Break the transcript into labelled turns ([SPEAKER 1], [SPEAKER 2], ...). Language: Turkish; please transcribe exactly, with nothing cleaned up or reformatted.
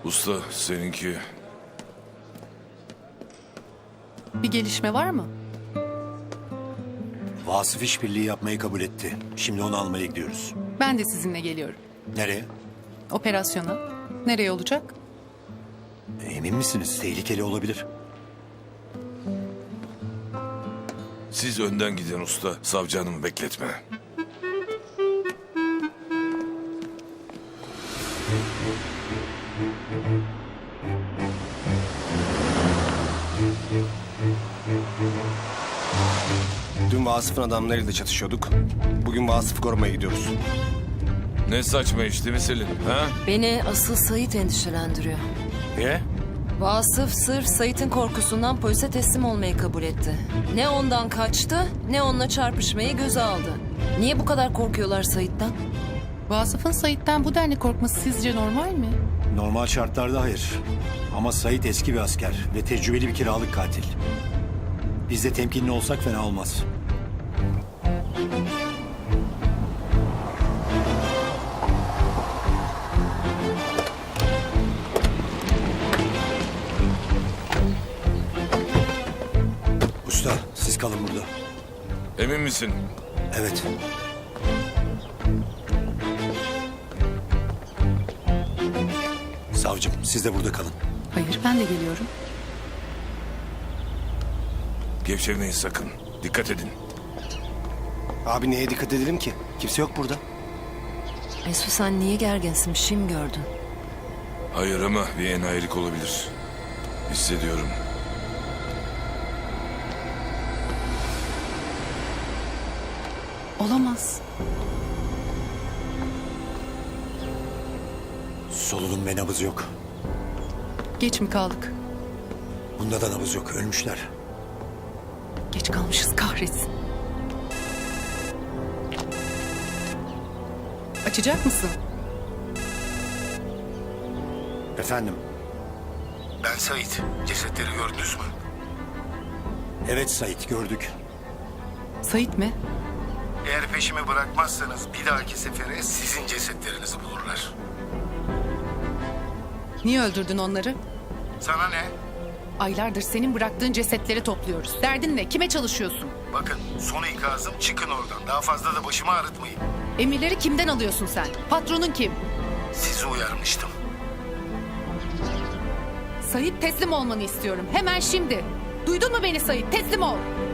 [SPEAKER 1] Usta seninki...
[SPEAKER 2] Bir gelişme var mı?
[SPEAKER 3] Vasıf işbirliği yapmayı kabul etti. Şimdi onu almaya gidiyoruz.
[SPEAKER 2] Ben de sizinle geliyorum.
[SPEAKER 3] Nereye?
[SPEAKER 2] Operasyona. Nereye olacak?
[SPEAKER 3] Emin misiniz? Tehlikeli olabilir.
[SPEAKER 1] Siz önden gidin usta. Savcı hanımı bekletme.
[SPEAKER 4] Dün Vasıf'ın adamlarıyla çatışıyorduk. Bugün Vasıf'ı korumaya gidiyoruz.
[SPEAKER 1] Ne saçma iş değil mi Selin? Ha?
[SPEAKER 5] Beni asıl Sait endişelendiriyor.
[SPEAKER 1] Niye?
[SPEAKER 5] Vasıf sırf Sait'in korkusundan polise teslim olmayı kabul etti. Ne ondan kaçtı ne onunla çarpışmayı göze aldı. Niye bu kadar korkuyorlar Sait'ten?
[SPEAKER 2] Vasıf'ın Sait'ten bu denli korkması sizce normal mi?
[SPEAKER 3] Normal şartlarda hayır. Ama Sait eski bir asker ve tecrübeli bir kiralık katil. Biz de temkinli olsak fena olmaz. Usta, siz kalın burada.
[SPEAKER 1] Emin misin?
[SPEAKER 3] Evet. Savcım, siz de burada kalın.
[SPEAKER 2] Hayır, ben de geliyorum.
[SPEAKER 1] Gevşemeyin sakın. Dikkat edin.
[SPEAKER 4] Abi neye dikkat edelim ki? Kimse yok burada.
[SPEAKER 5] Mesut sen niye gerginsin? Bir şey mi gördün?
[SPEAKER 1] Hayır ama bir enayilik olabilir. Hissediyorum.
[SPEAKER 2] Olamaz.
[SPEAKER 3] Solunum ve nabız yok.
[SPEAKER 2] Geç mi kaldık?
[SPEAKER 3] Bunda da nabız yok. Ölmüşler.
[SPEAKER 2] Geç kalmışız kahretsin. Açacak mısın?
[SPEAKER 3] Efendim?
[SPEAKER 6] Ben Sait. Cesetleri gördünüz mü?
[SPEAKER 3] Evet Sait, gördük.
[SPEAKER 2] Sait mi?
[SPEAKER 6] Eğer peşimi bırakmazsanız bir dahaki sefere sizin cesetlerinizi bulurlar.
[SPEAKER 2] Niye öldürdün onları?
[SPEAKER 6] Sana ne?
[SPEAKER 2] Aylardır senin bıraktığın cesetleri topluyoruz. Derdin ne? Kime çalışıyorsun?
[SPEAKER 6] Bakın son ikazım çıkın oradan. Daha fazla da başımı ağrıtmayın.
[SPEAKER 2] Emirleri kimden alıyorsun sen? Patronun kim?
[SPEAKER 6] Sizi uyarmıştım.
[SPEAKER 2] Sait teslim olmanı istiyorum. Hemen şimdi. Duydun mu beni Sait? Teslim ol.